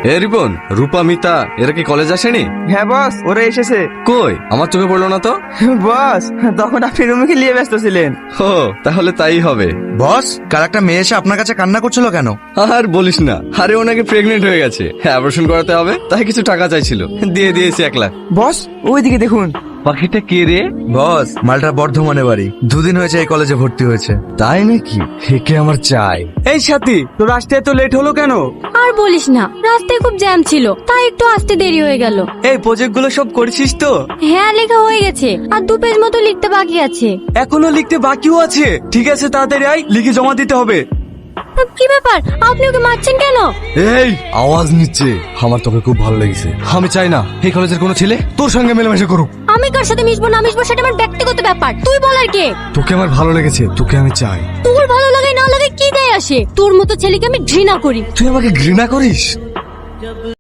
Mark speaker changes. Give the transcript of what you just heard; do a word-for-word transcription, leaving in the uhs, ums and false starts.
Speaker 1: এ রিপন, রূপা, মিতা এরা কি কলেজ আসেনি?
Speaker 2: হ্যাঁ বস, ওরা এসেছে।
Speaker 1: কই, আমার চোখে পড়লো না তো।
Speaker 2: বস, তখন আপনি রুমে নিয়ে ব্যস্ত ছিলেন।
Speaker 1: ও, তাহলে তাই হবে।
Speaker 3: বস, কাল একটা মেয়ে এসে আপনার কাছে কান্না করছিল কেন?
Speaker 1: আর বলিস না, আরে ও নাকি প্রেগনেন্ট হয়ে গেছে, অ্যাবর্শন করাতে হবে, তাই কিছু টাকা চাইছিল, দিয়ে দিয়েছি এক লাখ।
Speaker 2: বস, ওইদিকে দেখুন।
Speaker 1: পাখিটা কে রে?
Speaker 3: বস, মালটা বর্ধমানে বাড়ি, দুদিন হয়েছে এই কলেজে ভর্তি হয়েছে।
Speaker 1: তাই নাকি? হেকে আমার চাই।
Speaker 2: এই সাথী, তো রাস্তায় তো লেট হলো কেন?
Speaker 4: আর বলিস না, রাস্তায় খুব জ্যাম ছিল, তাই একটু আসতে দেরি হয়ে গেল।
Speaker 2: এই প্রজেক্ট গুলো সব করছিস তো?
Speaker 4: হ্যাঁ, লেখা হয়ে গেছে, আর দু পেজ মতো লিখতে বাকি আছে।
Speaker 2: এখনো লিখতে বাকিও আছে? ঠিক আছে, তাড়াতাড়ি আয়, লিখে জমা দিতে হবে।
Speaker 4: কি ব্যাপার, আপনি ওকে মারছেন কেন?
Speaker 1: এই আওয়াজ নিচ্ছে, আমার তোকে খুব ভালো লেগেছে, আমি চাই না এই কলেজের কোনো ছেলে তোর সঙ্গে মেলামেশা করুক।
Speaker 4: আমি কার সাথে মিশবো না মিশবো সেটা আমার ব্যক্তিগত ব্যাপার, তুই বলার কে?
Speaker 1: তোকে আমার ভালো লেগেছে, তোকে আমি চাই।
Speaker 4: তোর ভালো লাগে না লাগে কি দেয় আসে? তোর মতো ছেলেকে আমি ঘৃণা করি।
Speaker 1: তুই আমাকে ঘৃণা করিস?